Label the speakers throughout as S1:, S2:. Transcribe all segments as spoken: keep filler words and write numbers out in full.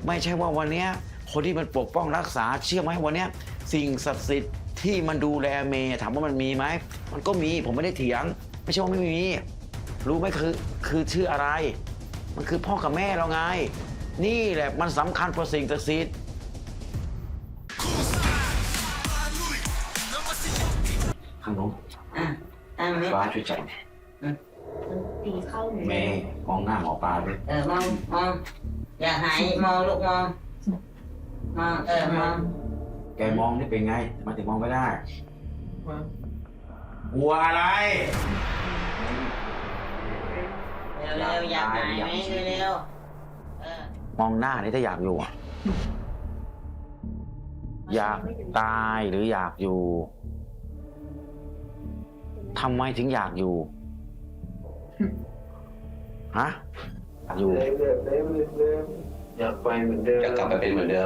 S1: ไม่ใช่ว่าวันนี้คนที่มันปกป้องรักษาเชื่อไหมวันนี้สิ่งศักดิ์สิทธิ์ที่มันดูแลเมย์ถามว่ามันมีไหมมันก็มีผมไม่ได้เถียงไม่ใช่ว่าไม่มีรู้ไหมคือคือชื่ออะไรมันคือพ่อกับแม่เราไงนี่แหละมันสำคัญกว่าสิ่งศักดิ์สิทธิ์ข้างโน้น
S2: อ่ะตั้งไหม
S1: ฟ้าช่วยจับ
S3: ตีเข้าหนู
S1: เมย์มองหน้าหมอปลาด้วย
S2: เออมองมองอย่าหายมองลูกมองมองเออมอง
S1: แกมองนี่เป็นไงมาถึงมองไม่ได้กลัวอะไร
S2: เร็วเร็วอยากหายไหมเร็วเออ
S1: มองหน้านี่ถ้าอยากอยู่อะอยากตายหรืออยากอยู่ทำไมถึงอยากอยู่ฮะอยู่
S4: เดิมเดิมเดิมเดิมอยากไปเหมือนเดิม
S5: อยากกลับไปเป็นเหมือนเดิม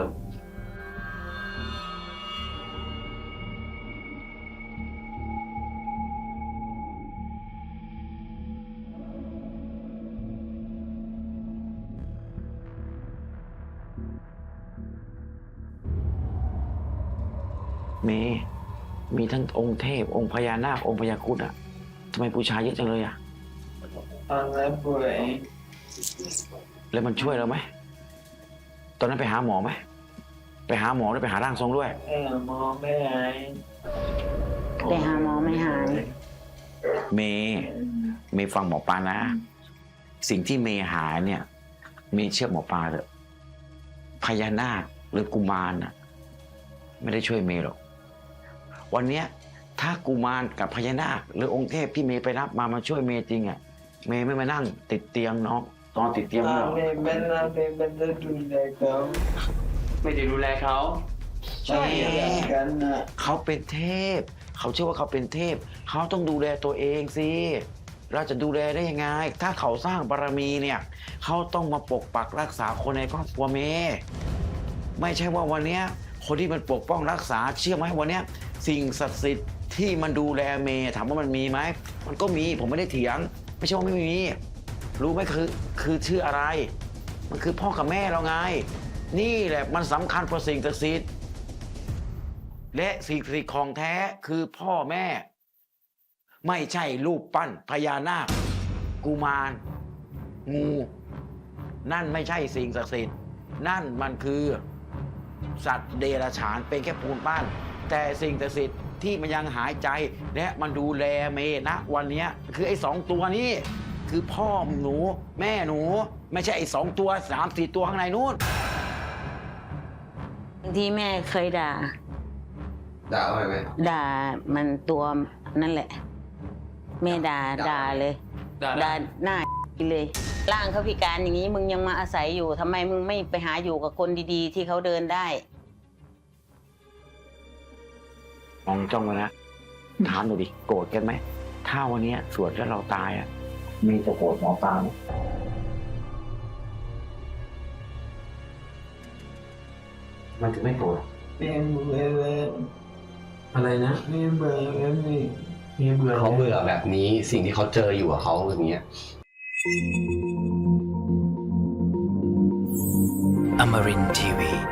S1: มีมีทั้งองค์เทพองค์พญานาคองค์พญาครุฑอะทำไมบูชาเยอะจังเลยอะ
S4: ตอนนั้นป่วย
S1: แล้วมันช่วยเราไหมตอนนั้นไปหาหมอไหมไปหาหมอหรือไปหาร่างทรงด้วย
S4: เออมองไม่หาย
S2: ไปหาหมอไม่หาย
S1: เมย์เมย์ฟังหมอปลานะ สิ่งที่เมย์หาเนี่ยเมย์เชื่อหมอปลาเถอะพญานาคหรือกุมารน่ะไม่ได้ช่วยเมย์หรอกวันเนี้ยถ้ากุมารกับพญานาคหรือองค์เทพที่เมย์ไปรับมามาช่วยเมย์จริงอ่ะเมย์ไม่มานั่งติดเตียงน้องตอนติดเตียง
S4: ตา
S1: หรอก
S4: ไม่เป็นตาไม่เป็นจะดูแลเขา
S5: ไม่ได้ดูแลเขา
S4: ใช่กันนะ
S1: เขาเป็นเทพ เขาเชื่อว่าเขาเป็นเทพ เขาต้องดูแลตัวเองสิเราจะดูแลได้ยังไง ถ้าเขาสร้างบารมีเนี่ยเขาต้องมาปกปักรักษาคนในครอบครัวเมย์ไม่ใช่ว่าวันเนี้ยคนที่มันปกป้องรักษาเชื่อไหมวันเนี้ยสิ่งศักดิ์สิทธิ์ที่มันดูแลเมย์ถามว่ามันมีไหมมันก็มีผมไม่ได้เถียงไม่ใช่ว่าไม่มีรู้ไหมคือคือชื่ออะไร มันคือพ่อกับแม่เราไงนี่แหละมันสำคัญกว่าสิ่งศักดิ์สิทธิ์และสิ่งศักดิ์สิทธิ์ของแท้คือพ่อแม่ ไม่ใช่รูปปั้นพญานาคกุมารงูนั่นไม่ใช่สิ่งศักดิ์สิทธิ์นั่นมันคือสัตว์เดรัจฉานเป็นแค่ปูนปั้นแต่สิ่งศักดิ์สิทธิ์ที่มันยังหายใจและมันดูแลเมณวันนี้คือไอ้สองตัวนี้คือพ่อหนูแม่หนูไม่ใช่ไอ้สองตัวสามสี่ตัวข้างในนู้น
S2: บางทีแม่เคยด่า
S5: ด่าเขาไหม
S2: ด่ามันตัวนั่นแหละ แม่ด่าด่าเลยด่าหน้าเลยร่างเขาพิการอย่างนี้มึงยังมาอาศัยอยู่ทำไมมึงไม่ไปหาอยู่กับคนดีๆ ที่เขาเดินได้
S1: มองจ้องไว้นะถามหน่อยดิโกรธกันไหมถ้าวันนี้สวดแล้วเราตายอ่ะมีจะโกรธหมอปลาไหมมันถึงไม่โกรธ
S4: เป็นเบื่อเลย
S5: อะไรนะ
S4: มีเบื่อแล้วมีมีเบื่อ
S5: เขาเบื่อแบบนี้สิ่งที่เขาเจออยู่กับเขาอย่างเงี้ย
S6: Amarin Tiwi.